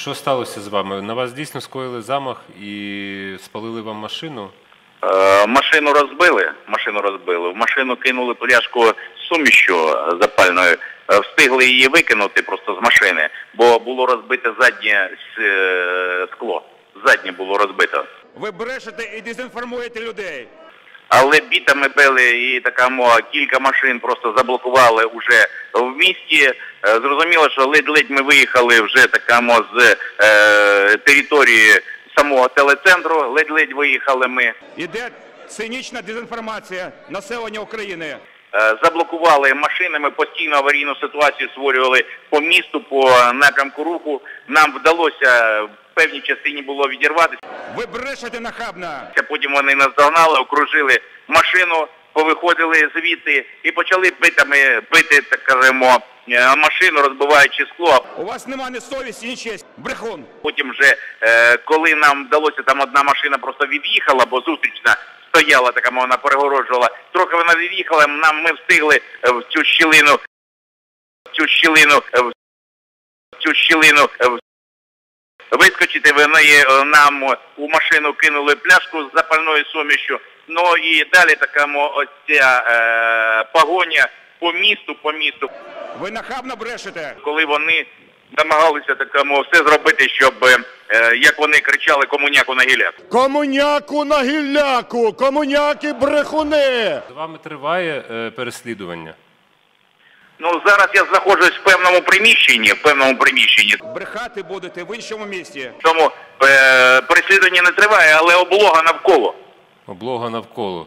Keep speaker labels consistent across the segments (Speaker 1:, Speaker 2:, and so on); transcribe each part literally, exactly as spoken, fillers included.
Speaker 1: Що сталося з вами? На вас дійсно скоїли замах і спалили вам машину?
Speaker 2: Е, машину розбили, машину розбили. В машину кинули пляшку з сумішю запальною. Е, встигли її викинути просто з машини, бо було розбите заднє е, скло. Заднє було розбито.
Speaker 3: Ви брешете і дезінформуєте людей.
Speaker 2: Але бітами били і такамо кілька машин просто заблокували вже в місті. Зрозуміло, що ледь-ледь ми виїхали вже такамо з е, території самого телецентру, ледь-ледь виїхали ми.
Speaker 3: Іде цинічна дезінформація населення України.
Speaker 2: Е, заблокували машини, ми постійно аварійну ситуацію створювали по місту, по напрямку руху. Нам вдалося в певній частині було відірватися.
Speaker 3: Ви брешете нахабно.
Speaker 2: Потім вони нас догнали, окружили машину, повиходили звідти і почали битами бити, так кажемо, машину, розбиваючи скло.
Speaker 3: У вас нема ні совісті, ні честі. Брехун.
Speaker 2: Потім вже, коли нам вдалося, там одна машина просто від'їхала, бо зустрічна стояла, така вона перегороджувала. Трохи вона від'їхала, нам ми встигли в цю щілину, в цю щілину, в цю щілину вискочити. Вони нам у машину кинули пляшку з запальною сумішю. Ну і далі така ось ця е, погоня по місту, по місту.
Speaker 3: Ви нахабно брешете.
Speaker 2: Коли вони намагалися такому все зробити, щоб, е, як вони кричали, комуняку на гіляку.
Speaker 4: Комуняку на гілляку! Комуняки брехуни!
Speaker 1: З вами триває е, переслідування?
Speaker 2: Ну, зараз я знаходжусь в певному приміщенні, в певному приміщенні.
Speaker 3: Брехати будете в іншому місті.
Speaker 2: Тому е, переслідування не триває, але облога навколо.
Speaker 1: Облога навколо.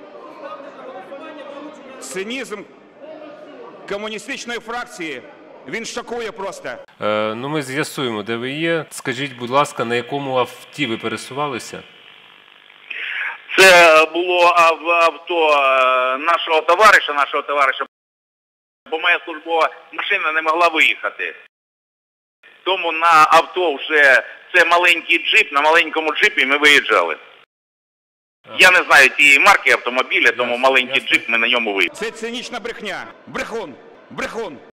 Speaker 3: Цинізм комуністичної фракції, він шокує просто.
Speaker 1: Е, ну ми з'ясуємо, де ви є. Скажіть, будь ласка, на якому авті ви пересувалися?
Speaker 2: Це було авто нашого товариша, нашого товариша, бо моя службова машина не могла виїхати. Тому на авто вже, це маленький джип, на маленькому джипі ми виїжджали. Ага. Я не знаю цієї марки автомобіля, тому маленький джип, ми на ньому виїхали.
Speaker 3: Це цинічна брехня. Брехун. Брехун.